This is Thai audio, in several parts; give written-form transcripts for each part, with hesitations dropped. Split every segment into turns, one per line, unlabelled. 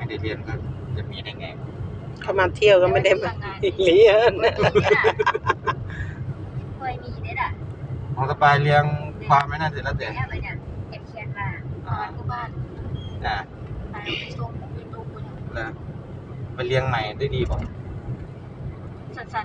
ได้เรียนก็จะมีได้ไง
เขามาเที่ยวก็ไม่ได้มาเรียน
เคยมีได้ล่ะ
ของสบายเลี้ยงความไม่น่าเสร็จแล้วแต่
อะไรเนี่ยเก็บเขียนมาบ้านไปชมยูทูบ
แล้วไปเลี้ยงใหม่ได้ดีป่ะ
สั้น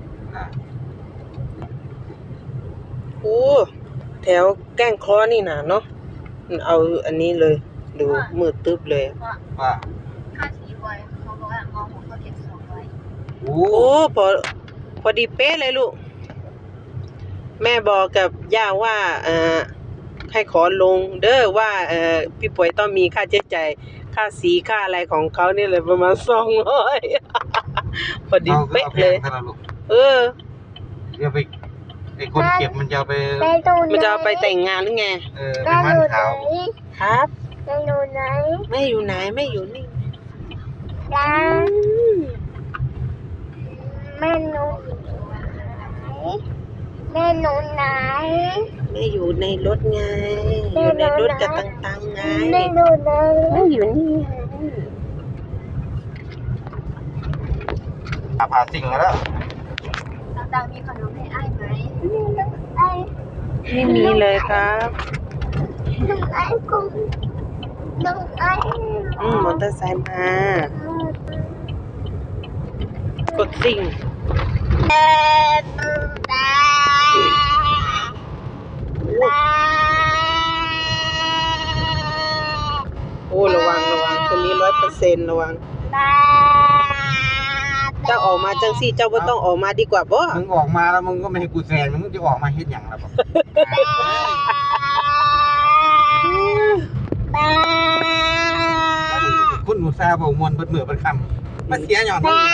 โอ้แถวแก้งคอนี่นะเนาะเอาอันนี้เลยดูมืดตึ๊บเลย
ว่า
ค่าสีไว้เขาบอกว่ามองหัวเขาเก็บ200
โอ้
พอดีเป๊ะเลยลูกแม่บอกกับย่าว่าให้ขอลงเด้อว่าพี่ป่วยต้องมีค่าใช้จ่ายค่าสีค่าอะไรของเขาเนี่ยเลยประมาณ200พอดีเป๊ะเลย
เดี๋ยวไปไอ้คนเก็บมันจะเอาไป
แต่งงานหรือไง
ไปมั่นขาว
ครับ
แม่อยู่ไหน
ไม่อยู่ไหนไม่อยู่นี่
แม่หนูไหนแม่หนูไหน
ไม่อยู่ในรถไงอยู่ในรถกับตังไง
แม่หนูไหน
ไม่อยู่นี่
ผ่าสิ่งแล้ว
ตังมีขนมให้ไอ้ไหมไอ้
ไม่มีเลยครับ
น้องไอ้กุ้งน้องไอ้
มอเตอร์ไซค์มากดสิ่งโอ้ระวังคนนี้100%ระวังเจ้าออกมาจังสิเจ้าบ่ต้องออกมาดีกว่าบ่
มึงออกมาแล้วมึงก็ไม่ให้กูแซงมึงจะออกมาเฮ็ดหยังล่ะบ่คุณอุตส่าห์บ่ม่วนเบิดมื้อเบิดค่ำมาเสียหย่อนนี่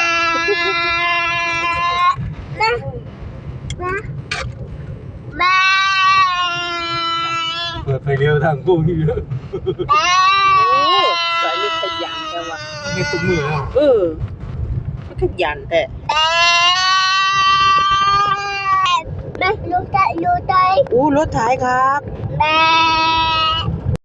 ล่ะเปิดไฟเลี้ยวทางกูอยู่
สายนี่ขยันแต่ว่า
มีตุ้มมือแล้ว
ขยันแต่
รถไถ
รถไถครับ